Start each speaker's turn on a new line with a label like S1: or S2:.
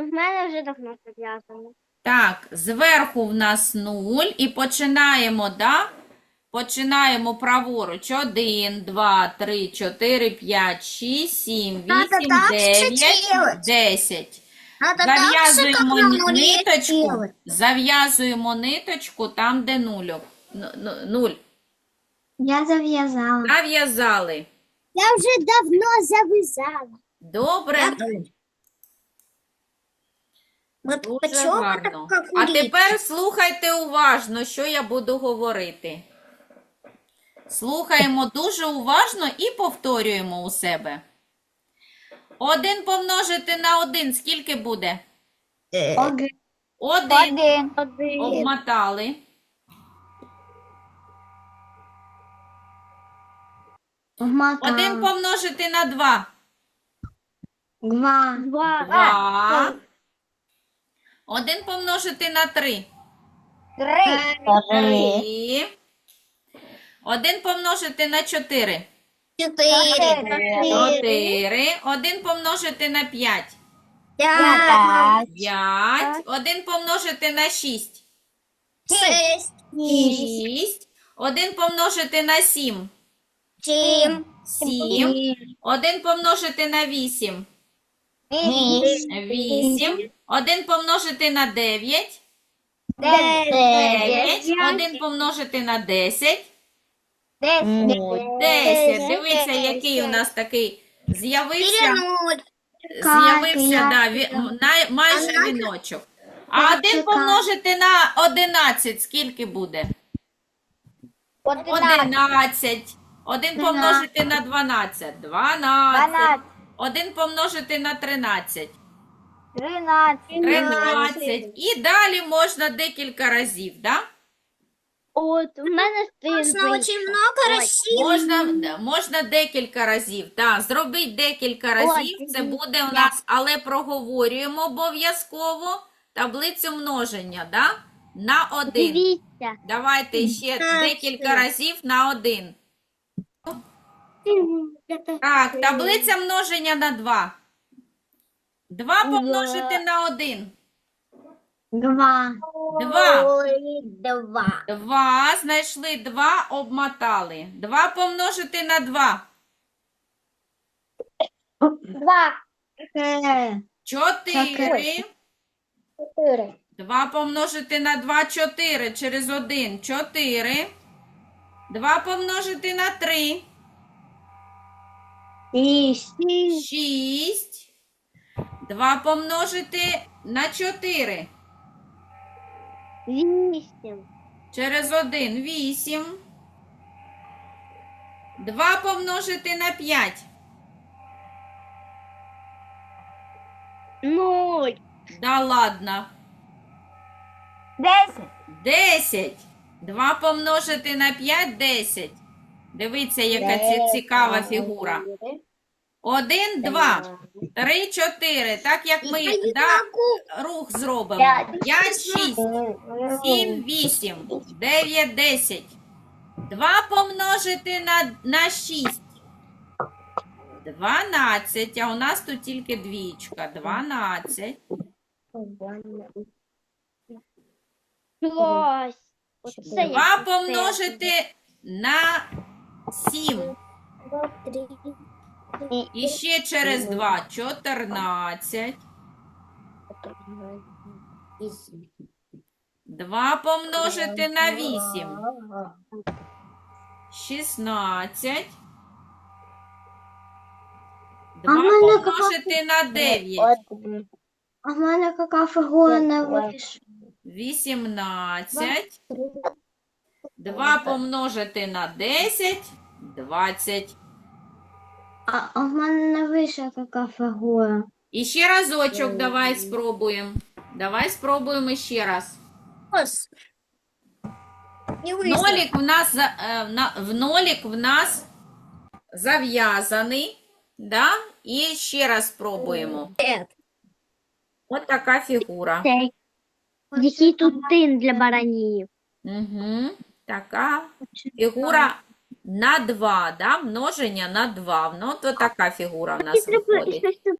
S1: В мене вже давно зав'язано.
S2: Так, зверху в нас 0 і починаємо, да? Починаємо праворуч. 1, 2, 3, 4, 5, 6, 7,
S3: Надо
S2: 8,
S3: так
S2: 9,
S3: ще делать.
S2: 10.
S3: Надо так же, как
S2: Зав'язуємо
S3: на нуле
S2: ниточку,
S3: делать.
S2: зав'язуємо ниточку там, де нульок. 0.
S1: Я зав'язала.
S2: Зав'язали.
S1: Я вже давно зав'язала.
S2: Добре.
S3: Вот
S2: Дуже
S3: почему
S2: гарно.
S3: так, как
S2: А
S3: улитки?
S2: тепер слухайте уважно, що я буду говорити. Слухаємо дуже уважно і повторюємо у себе. 1 помножити на 1 скільки буде?
S1: Один.
S2: 1
S1: Один.
S2: обмотали. 1 помножити на 2.
S1: Два. Два.
S2: 2. 1 помножити на 3.
S1: Три.
S2: 3. 1 помножити на 4.
S3: 4,
S2: 4. 1 помножити на 5.
S3: 5,
S2: 5. 1 помножити на 6.
S3: 6,
S2: 6. 1 помножити на 7.
S3: 7,
S2: 7. 1 помножити на 8. 8. 1 помножити на 9. 9. 1 помножити на 10. 10. Дивіться, який у нас такий з'явився.
S3: 0,
S2: З'явився, да, майже віночок. А 1 помножити на 11 скільки буде? 11. 1 помножити на 12. 12. 1 помножити на 13. 13. І далі можна декілька разів, да?
S1: От, у мене
S3: можно очень много России.
S2: Можна декілька разів. Так, зробіть декілька разів. Це буде у нас, але проговорюємо обов'язково таблицю множення, да? На 1.
S1: Дивіться.
S2: Давайте ще декілька разів на 1. Так, таблиця множення на 2. 2 помножити на 1.
S1: Два.
S2: 2.
S3: 2,
S2: 2. Знайшли 2, обмотали. 2 помножити на 2.
S1: Два.
S2: 4.
S1: 4.
S2: 2 помножити на 2, 4. Через 1, 4. 2 помножити на 3. 6. 2 помножити на 4.
S1: 8.
S2: Через 1, 8. 2 помножити на 5.
S1: 0.
S2: Да ладно.
S1: 10.
S2: 10. 2 помножити на 5, 10. Дивіться, яка цікава фігура. 1, 2, 3, 4. Так як ми рух зробимо. 5, 6, 7, 8, 9, 10. 2 помножити на 6. 12. А у нас тут тільки двічка. 12.
S1: Клас.
S2: 2 помножити на 7. І ще через 2. 14. 2 помножити на 8. 16. 2 помножити на 9.
S1: А в мене яка фігура не вийшла?
S2: 18. 2 помножити на 10. 20.
S1: А в мене не вийшла яка фігура.
S2: І ще разочок давай спробуємо. Давай спробуємо ще раз.
S3: Не вышло.
S2: Нолік в нас зав'язаний. Да? І ще раз спробуємо. Ось така фігура.
S1: Який тут тин для баранів?
S2: Угу. Така фігура на 2, да? Множення на 2. Ну, то така фігура в нас виходить.
S1: Щось тут